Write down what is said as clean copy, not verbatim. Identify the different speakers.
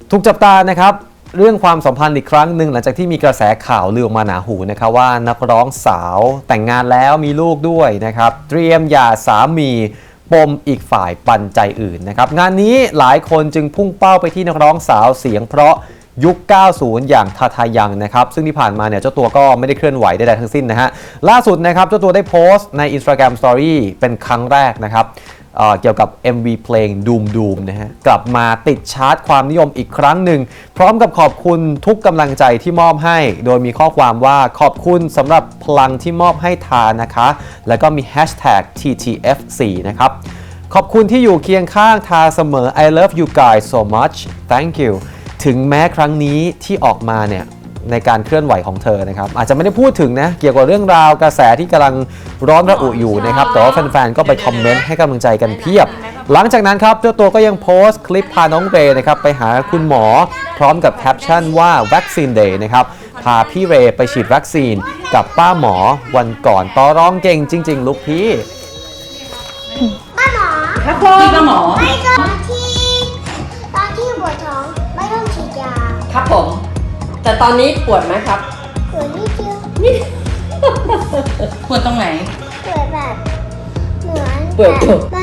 Speaker 1: ถูกจับตานะครับเรื่องความสัมพันธ์อีกครั้งหนึ่งหลังจากที่มีกระแสข่าวลือออกมาหนาหูนะครับว่านักร้องสาวแต่งงานแล้วมีลูกด้วยนะครับเตรียมหย่าสามีปมอีกฝ่ายปันใจอื่นนะครับงานนี้หลายคนจึงพุ่งเป้าไปที่นักร้องสาวเสียงเพราะยุค 90 อย่างทาทายังนะครับซึ่งที่ผ่านมาเนี่ยเจ้าตัวก็ไม่ได้เคลื่อนไหวใดๆทั้งสิ้นนะฮะล่าสุดนะครับเจ้าตัวได้โพสต์ใน Instagram Story เป็นครั้งแรกนะครับเกี่ยวกับ MV เพลง Doom Doom นะฮะกลับมาติดชาร์ตความนิยมอีกครั้งหนึ่งพร้อมกับขอบคุณทุกกำลังใจที่มอบให้โดยมีข้อความว่าขอบคุณสำหรับพลังที่มอบให้ทานะคะแล้วก็มี Hashtag TTF4 นะครับขอบคุณที่อยู่เคียงข้างทาเสมอ I love you guys so much thank you ถึงแม้ครั้งนี้ที่ออกมาเนี่ยในการเคลื่อนไหวของเธอนะครับอาจจะไม่ได้พูดถึงนะเกี่ยวกับเรื่องราวกระแสที่กำลังร้อนระอุอยู่นะครับแต่ว่าแฟนๆก็ไปคอมเมนต์ให้กำลังใจกันเพียบหลังจากนั้นครับเจ้าตัวก็ยังโพสต์คลิปพาน้องเรย์นะครับไปหาคุณหมอพร้อมกับแคปชั่นว่าวัคซีนเดย์นะครับพาพี่เรย์ไปฉีดวัคซีนกับป้าหมอวันก่อนต่อร้องเก่งจริงๆลูกพี่
Speaker 2: ป้าหมอ
Speaker 3: ครับผมพี่ก็หมอ
Speaker 2: ไม่ก็ตอนที่ปวดท้องไม่ต้องฉีดยา
Speaker 3: ครับผมแต่ตอนนี้ปวดไหมครับ
Speaker 2: ปวดนิดเดียว
Speaker 3: ปวดตรงไหน
Speaker 2: ปวดแบบเหมือน
Speaker 3: ปวด
Speaker 2: แบบ